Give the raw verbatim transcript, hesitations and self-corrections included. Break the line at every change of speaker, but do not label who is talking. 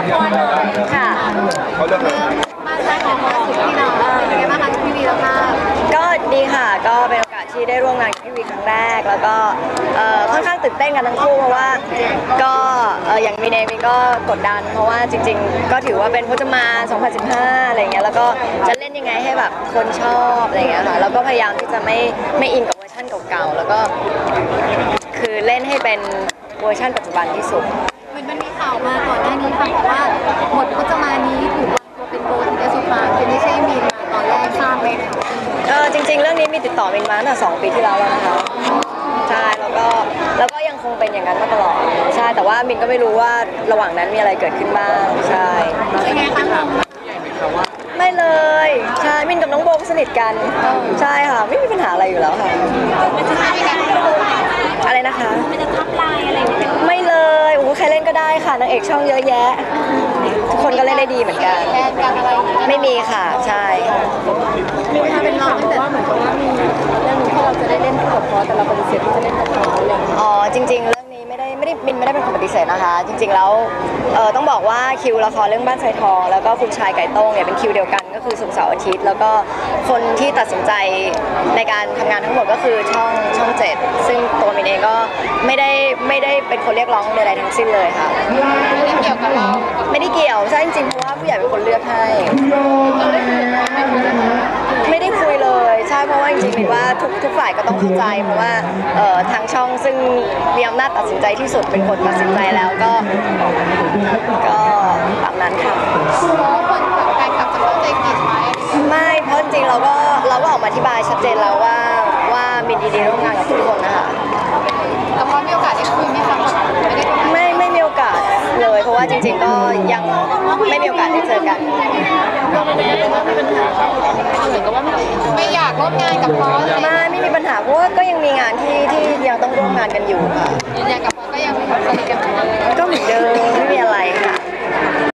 รเลย
ค่ะ
เขาเรื่องอะไร
บ้านใช้ของล่าสุดที่เราเป็นไงบ้างคะพี่วีแล้วค่ะ
ก็ดีค่ะก็เป็นโอกาสที่ได้ร่วมงานกับพี่วีครั้งแรกแล้วก็ค่อนข้างตื่นเต้นกันทั้งคู่เพราะว่าก็อย่างมีเนมีก็กดดันเพราะว่าจริงๆก็ถือว่าเป็นพจมานสองพันสิบห้าอะไรเงี้ยแล้วก็จะเล่นยังไงให้แบบคนชอบอะไรเงี้ยค่ะแล้วก็พยายามที่จะไม่ไม่อินกับเวอร์ชันเก่าๆแล้วก็คือเล่นให้เป็นเวอร์ชันปัจจุบันที่สุด
เหมือนมันมีข่าวมาก่อนหน้านี้ค่ะบอกว่าหมดพจมานี้ถูกวางตัวเป็นโบถึงจะสุภาคือไม่ใช่มีมาตอนแรกทราบไหมคะ
เออจริงๆเรื่องนี้มีติดต่อมินมาตั้งแต่สองปีที่แล้วแล้วนะคะใช่แล้วก็แล้วก็ยังคงเป็นอย่างนั้นมาตลอดใช่แต่ว่ามินก็ไม่รู้ว่าระหว่างนั้นมีอะไรเกิดขึ้นบ้างใช่
เป็นไงคะ
ไม่เลยใช่มินกับน้องโบก็สนิทกันใช่ค่ะไม่มีปัญหาอะไรอยู่แล้วค่ะอะไรนะคะ
มันจะทับลายอะไร
ไม่เลยโอ้โหใครเล่นก็ได้ค่ะนางเอกช่องเยอะแยะทุกคนก็เล่นได้ดีเหมือนกัน
แทนกันอะไร
ไม่มีค่ะใช่
มีค่ะเป็นน้องแต่ว่าเหมือนกับว่ามีเรื่องที่เราจะได้เล่นคู่กับพอแต่เราปฏิเสธที่จะเล่นกับเขาอะไร
อ๋อจริงๆเรื่องนี้ไม่ได้ไม่ได้มินไม่ได้เป็นคนปฏิเสธนะคะจริงๆแล้วเออต้องบอกว่าคิวละครเรื่องบ้านทรายทองแล้วก็คุณชายไก่โต้งเนี่ยเป็นคิวเดียวกันก็คือศุกร์เสาร์อาทิตย์แล้วก็คนที่ตัดสินใจในการทำงานทั้งหมดก็คือช่องช่องเจ็ดซึ่งตัวมินเองก็ไม่ได้ไม่ได้เป็นคนเรียกร้องใดๆทั้งสิ้นเลยค่ะ
ไม่ได้เกี่ยวกับเรา
ไม่ได้เกี่ยวใช่จริงๆเพราะว่าผู้ใหญ่เป็นคนเลือกให้ไม่ได้คุยเลยใช่เพราะว่าจริงๆมินว่าทุกทุกฝ่ายก็ต้องเข้าใจเพราะว่าเอ่อทางช่องซึ่งมีอำนาจตัดสินใจที่สุดเป็นคนตัดสินใจแล้วก็ก็ตามนั้นค่ะ
เพราะคนแฟนคลับจะเข้าใจผิดไหม
ไม่เพราะจริงๆเราก็เราก็ออกมาอธิบายชัดเจนแล้วว่าว่ามินดีดีร่วมงานกับทุกคนนะคะ
แต่พอมีโอกาสได้คุยไหมคะ
ไม่ไม่มีโอกาสเลยเพราะว่าจริงๆก็ยังไม่มีโอกาสได้เจอกัน
ไม่อยากร่วมงานกับพอ
ไม่ไม่มีปัญหาเพราะว่าก็ยังมีงานที่ที่ยังต้องร่วมงานกันอยู่ค่ะ
ยืนยันกับ